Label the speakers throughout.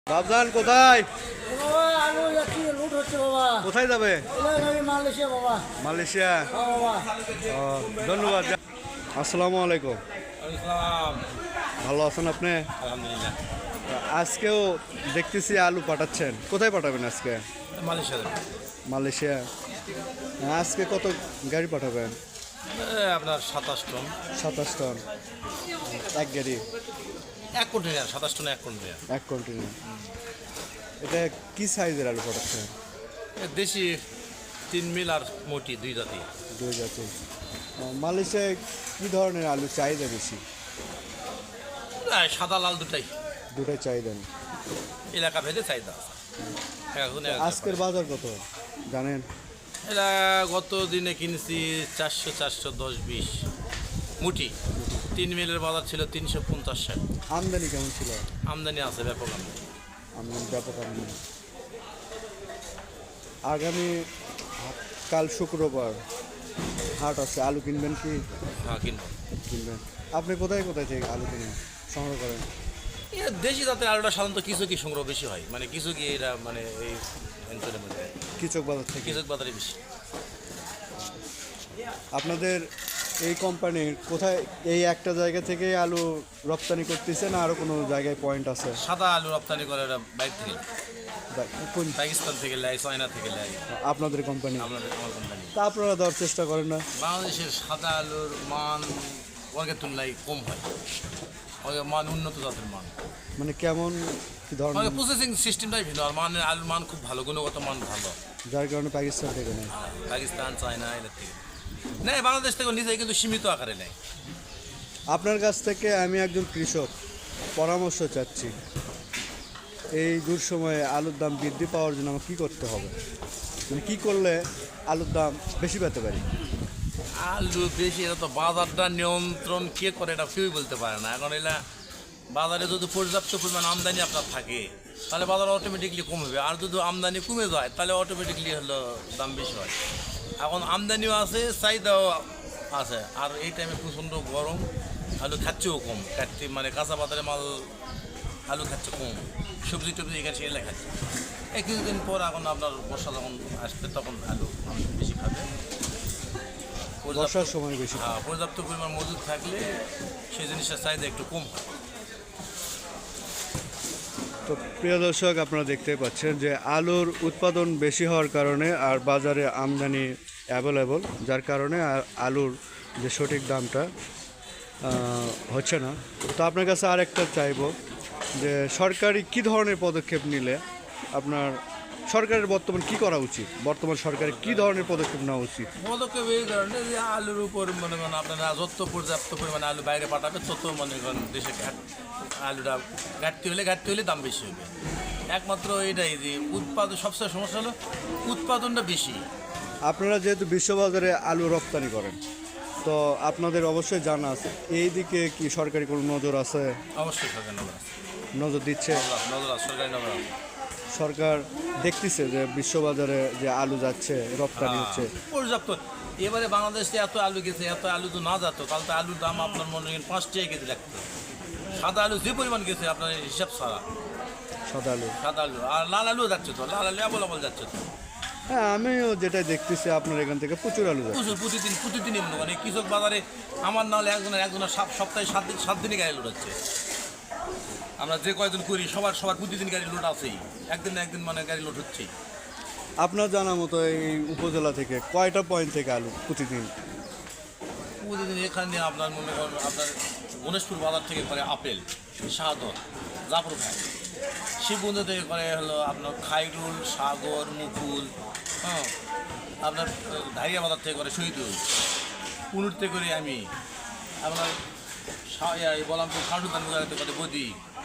Speaker 1: বাবজান কোথায়?
Speaker 2: বাবা আলু যাচ্ছি, লুট হচ্ছে বাবা।
Speaker 1: কোথায় যাবে?
Speaker 2: মালয়েশিয়া বাবা।
Speaker 1: মালয়েশিয়া।
Speaker 2: হ্যাঁ বাবা।
Speaker 1: ধন্যবাদ। আসসালামু আলাইকুম। ভালো আছেন আপনি?
Speaker 3: আলহামদুলিল্লাহ।
Speaker 1: আজকেও দেখতেছি আলু পাঠাচ্ছেন, কোথায় পাঠাবেন আজকে?
Speaker 3: Malaysia
Speaker 1: Malaysia. আজকে কত গাড়ি পাঠাবেন?
Speaker 3: আপনার 27 টন।
Speaker 1: 27 টন এক গাড়ি?
Speaker 3: 1 কন্টেনার 27 টন 1 কন্টেনার।
Speaker 1: এক কন্টিনিউ। এটা কি সাইজের আলু পাঠাচ্ছেন?
Speaker 3: দেশি 3 মিল আর মোটি 2 জাতি।
Speaker 1: দুই জাতি। মালয়েশিয়ায় কি ধরনের আলু চাহিদা বেশি?
Speaker 3: সাদা লাল দুটাই
Speaker 1: দুটাই চাহিদা।
Speaker 3: এলাকা ভেদে চাহিদা আছে। এখন
Speaker 1: আজকের বাজার কত জানেন?
Speaker 3: এটা গত দিনে কিনেছি 400 410 20 মুটি। 3 মিলের বাজার ছিল 350-60।
Speaker 1: আমদানি কেমন ছিল?
Speaker 3: আমদানি আছে, ব্যাপক আমদানি।
Speaker 1: আমদানি ব্যাপক আমদানি। আগামী কাল শুক্রবার হাট আছে, আলু কিনবেন কি?
Speaker 3: হ্যাঁ, কিনবো।
Speaker 1: কিনবেন। আপনি কোথায় কোথায় থেকে আলু কিনেন, সংগ্রহ করেন?
Speaker 3: দেশি জাতের আলুটা সাধারণত কিছু কি সংগ্রহ বেশি হয়, মানে কিছু কি এরা মানে এই অঞ্চলের মধ্যে
Speaker 1: কৃষক বাজার থেকে।
Speaker 3: কিছু বাজারে বেশি।
Speaker 1: আপনাদের এই কোম্পানির কোথায় এই একটা জায়গা থেকে আলু রপ্তানি করতেছে না আরও কোনো জায়গায় পয়েন্ট আছে?
Speaker 3: সাদা আলু রপ্তানি করে এরা বাইরে থেকে,
Speaker 1: কোন
Speaker 3: পাকিস্তান থেকে নেয়, চায়না থেকে নেয়।
Speaker 1: আপনাদের কোম্পানি?
Speaker 3: আমার কোম্পানি।
Speaker 1: তা আপনারা দেওয়ার চেষ্টা করেন না?
Speaker 3: বাংলাদেশের সাদা আলুর মান অনেকের তুলনায় কম হয়, অনেক মান উন্নত জাতের মান।
Speaker 1: মানে কেমন কি ধরনের?
Speaker 3: অনেক প্রসেসিং সিস্টেমটাই ভিন্ন, আর মানের আলুর মান খুব ভালো, গুণগত মান ভালো।
Speaker 1: যার কারণে পাকিস্তান থেকে নেয়।
Speaker 3: পাকিস্তান, চায়না এদের থেকে নেয়, বাংলাদেশ থেকে নিজেই কিন্তু সীমিত আকারে নেয়।
Speaker 1: আপনার কাছ থেকে আমি একজন কৃষক, পরামর্শ চাচ্ছি। এই দুঃসময়ে আলুর দাম বৃদ্ধি পাওয়ার জন্য আমার কী করতে হবে, মানে কী করলে আলুর দাম বেশি পেতে পারি?
Speaker 3: আলু বেশি, এটা তো বাজারটা নিয়ন্ত্রণ কে করে এটা কেউই বলতে পারে না। এখন এলা বাজারে যদি পর্যাপ্ত পরিমাণ আমদানি আপনার থাকে তাহলে বাজার অটোমেটিকলি কমবে, আর যদি আমদানি কমে যায় তাহলে অটোমেটিকলি হলো দাম বেশি হয়। এখন আমদানিও আছে, চাহিদাও আছে, আর এই টাইমে প্রচণ্ড গরম, আলু খাচ্ছেও কম, কাটতে মানে কাঁচা বাজারে মাল আলু খাচ্ছে কম, সবজি টবজি এখানে সেগুলো খাচ্ছে। এই কিছুদিন পর এখন আপনার বর্ষা যখন আসবে তখন আলু বেশি খাবে।
Speaker 1: বর্ষার সময় বেশি।
Speaker 3: হ্যাঁ, পর্যাপ্ত পরিমাণ মজুদ থাকলে সেই জিনিসটার চাহিদা একটু কম হয়।
Speaker 1: তো প্রিয় দর্শক, আপনারা দেখতে পাচ্ছেন যে আলুর উৎপাদন বেশি হওয়ার কারণে আর বাজারে আমদানি অ্যাভেলেবল, যার কারণে আলুর যে সঠিক দামটা হচ্ছে না। তো আপনার কাছে আরেকটা চাইবো যে সরকারি কী ধরনের পদক্ষেপ নিলে আপনার সরকারের বর্তমান কী করা উচিত, বর্তমান সরকারের কী ধরনের পদক্ষেপ নেওয়া উচিত?
Speaker 3: পদক্ষেপ এই ধরনের যে আলুর উপর মনে করেন আপনারা যত পর্যাপ্ত পরিমাণে আলু বাইরে পাঠাবে তত মনে করেন দেশে আলুটা ঘাটতি হলে দাম বেশি হবে। একমাত্র এটাই যে উৎপাদন, সবচেয়ে সমস্যা হলো উৎপাদনটা বেশি।
Speaker 1: আপনারা যেহেতু বিশ্ববাজারে আলু রপ্তানি করেন, তো আপনাদের অবশ্যই জানা আছে এই দিকে কি সরকারি কোনো নজর আছে?
Speaker 3: অবশ্যই সরকার নজর আছে,
Speaker 1: নজর দিচ্ছে?
Speaker 3: নজর আছে, সরকারি নজর আছে।
Speaker 1: সরকার দেখতেছে যে বিশ্ববাজারে যে আলু যাচ্ছে, রপ্তানি হচ্ছে
Speaker 3: পর্যাপ্ত। এবারে বাংলাদেশে এত আলু গেছে, এত আলু তো না যেত তাহলে তো আলুর দাম আপনার মনে করেন 5 টাকা কেজি লাগতো। সাদা আলু যে পরিমাণ গেছে আপনার হিসাব ছাড়া,
Speaker 1: সাদা আলু।
Speaker 3: সাদা আলু আর লাল আলুও যাচ্ছে তো, লাল আলু অ্যাভেলেবল যাচ্ছে তো।
Speaker 1: হ্যাঁ, আমিও যেটা দেখতেছি আপনার এখান থেকে প্রচুর আলু যাচ্ছে।
Speaker 3: প্রচুর, প্রতিদিনই মানে কৃষক বাজারে আমার না হলে একজনের সপ্তাহে 7 দিনে গাড়ি লোড হচ্ছে। আমরা যে কয়েকজন করি সবার প্রতিদিন গাড়ি লোড আছেই, একদিন না একদিন মানে গাড়ি লোড হচ্ছেই।
Speaker 1: আপনার জানা মতো এই উপজেলা থেকে কয়টা পয়েন্ট থেকে আলু প্রতিদিন?
Speaker 3: প্রতিদিন এখানে আপনার মনে করেন আপনার গণেশপুর বাজার থেকে করে আপেল, শাহদর, জাফর ভাই, শিবগঞ্জ থেকে করে হলো আপনার খাইরুল, সাগর, মুকুল, হ্যাঁ, আপনার ধারিয়া বাজার থেকে করে শহীদুল, পুনুর থেকে করি আমি, আপনার বললাম তো খাটুদান বাজার থেকে করে বদি,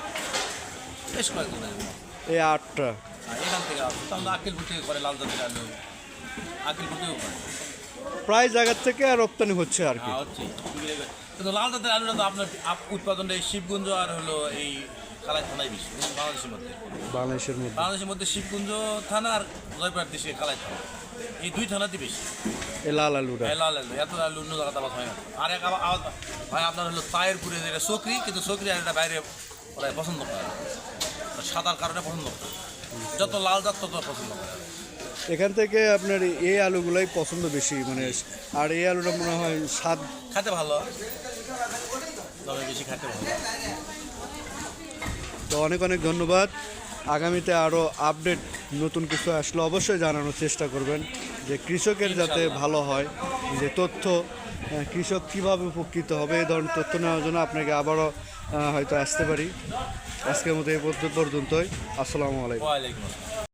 Speaker 3: বেশ কয়েকজন
Speaker 1: এই 8টা।
Speaker 3: এখান থেকে তাহলে আকিলপুর থেকে করে লাল জাতের আলু, আকিলপুর থেকেও করে
Speaker 1: প্রায় জায়গার থেকে রপ্তানি হচ্ছে আর কি।
Speaker 3: হচ্ছে। কিন্তু লাল জাতের আলুটা তো আপনার উৎপাদনটা এই শিবগঞ্জ আর হলো এই কালাই থানায় বেশি বাংলাদেশের মধ্যে। বাংলাদেশের মধ্যে শিবগঞ্জ থানা আর জয়পুরহাট ডিস্ট্রিক্টের কালাই থানা, এই 2 থানাতে বেশি
Speaker 1: এই লাল আলুটা।
Speaker 3: লাল আলু, এত আলু অন্য জায়গাতে আবাদ হয় না। আর এক আবাদ হয় আপনার হলো তায়েরপুরে, যেটা চকরি, কিন্তু চকরি আর এটা বাইরে ওরা পছন্দ করে না, সাদার কারণে পছন্দ করে। যত লাল জাত তত পছন্দ করে।
Speaker 1: এখান থেকে আপনার এই আলুগুলাই পছন্দ বেশি, মানে আর এই আলুটা মনে হয় স্বাদ।
Speaker 3: খেতে ভালো, তবে বেশি খেতে ভালো।
Speaker 1: তো অনেক অনেক ধন্যবাদ। আগামীতে আরও আপডেট নতুন কিছু আসলে অবশ্যই জানানোর চেষ্টা করবেন, যে কৃষকের যাতে ভালো হয়, যে তথ্য কৃষক কীভাবে উপকৃত হবে এই ধরনের তথ্য নেওয়ার জন্য আপনাকে আবারও হয়তো আসতে পারি। আজকের মতো এই পর্যন্তই। আসসালামু আলাইকুম।
Speaker 3: ওয়ালাইকুম আসসালাম।